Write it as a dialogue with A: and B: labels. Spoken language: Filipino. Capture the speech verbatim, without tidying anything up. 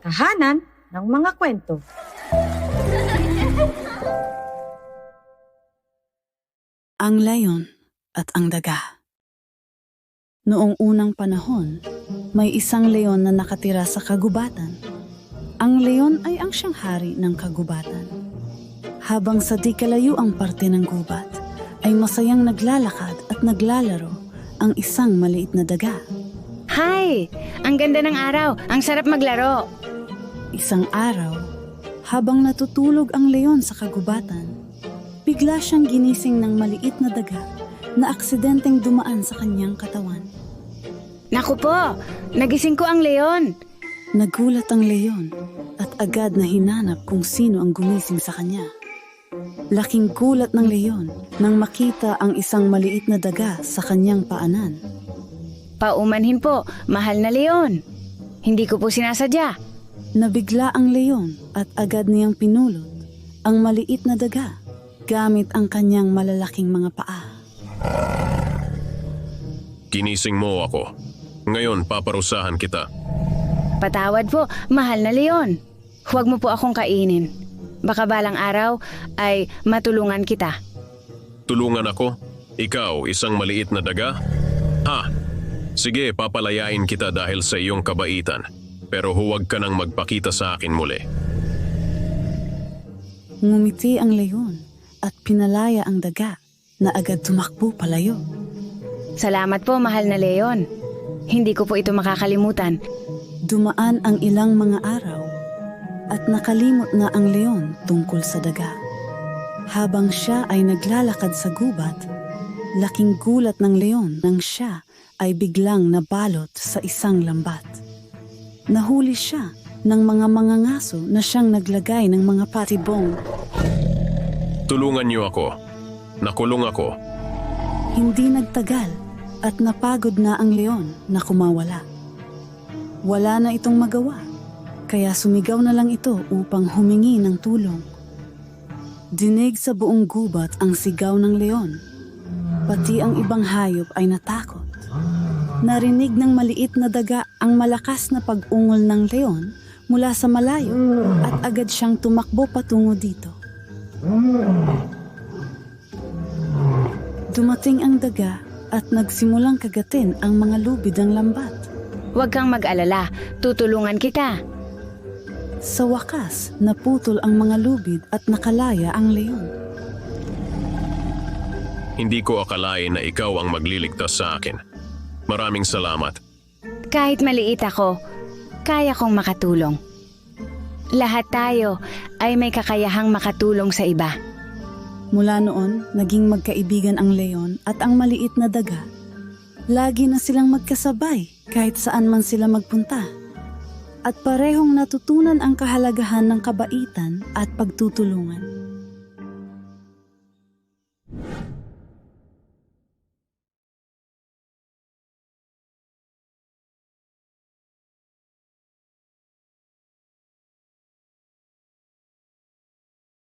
A: tahanan ng mga kwento.
B: Ang Leon at ang Daga. Noong unang panahon, may isang leon na nakatira sa kagubatan. Ang leon ay ang siyang hari ng kagubatan. Habang sa di kalayuang parte ng gubat, ay masayang naglalakad at naglalaro ang isang maliit na daga.
C: Hi! Ang ganda ng araw. Ang sarap maglaro.
B: Isang araw, habang natutulog ang leon sa kagubatan, bigla siyang ginising ng maliit na daga na aksidenteng dumaan sa kanyang katawan.
C: Naku po! Nagising ko ang leon.
B: Nagulat ang leon at agad na hinanap kung sino ang gumising sa kanya. Laking gulat ng leon nang makita ang isang maliit na daga sa kanyang paanan.
C: Paumanhin po, mahal na leon. Hindi ko po sinasadya.
B: Nabigla ang leon at agad niyang pinulot ang maliit na daga gamit ang kanyang malalaking mga paa.
D: Ginising mo ako. Ngayon paparusahan kita.
C: Patawad po, mahal na leon. Huwag mo po akong kainin. Baka balang araw ay matulungan kita.
D: Tulungan ako? Ikaw, isang maliit na daga? Ha? Sige, papalayain kita dahil sa iyong kabaitan. Pero huwag ka nang magpakita sa akin muli.
B: Ngumiti ang leon at pinalaya ang daga na agad tumakbo palayo.
C: Salamat po, mahal na leon. Hindi ko po ito makakalimutan.
B: Dumaan ang ilang mga araw at nakalimot na ang leon tungkol sa daga. Habang siya ay naglalakad sa gubat, laking gulat ng leon nang siya ay biglang nabalot sa isang lambat. Nahuli siya ng mga mangangaso na siyang naglagay ng mga patibong.
D: Tulungan niyo ako. Nakulong ako.
B: Hindi nagtagal at napagod na ang leon na kumawala. Wala na itong magawa, kaya sumigaw na lang ito upang humingi ng tulong. Dinig sa buong gubat ang sigaw ng leon. Pati ang ibang hayop ay natakot. Narinig ng maliit na daga ang malakas na pag-ungol ng leon mula sa malayo at agad siyang tumakbo patungo dito. Dumating ang daga at nagsimulang kagatin ang mga lubid ng lambat.
C: Huwag kang mag-alala, tutulungan kita.
B: Sa wakas, naputol ang mga lubid at nakalaya ang leon.
D: Hindi ko akalain na ikaw ang magliligtas sa akin. Maraming salamat.
C: Kahit maliit ako, kaya kong makatulong. Lahat tayo ay may kakayahang makatulong sa iba.
B: Mula noon, naging magkaibigan ang leon at ang maliit na daga. Lagi na silang magkasabay kahit saan man sila magpunta. At parehong natutunan ang kahalagahan ng kabaitan at pagtutulungan.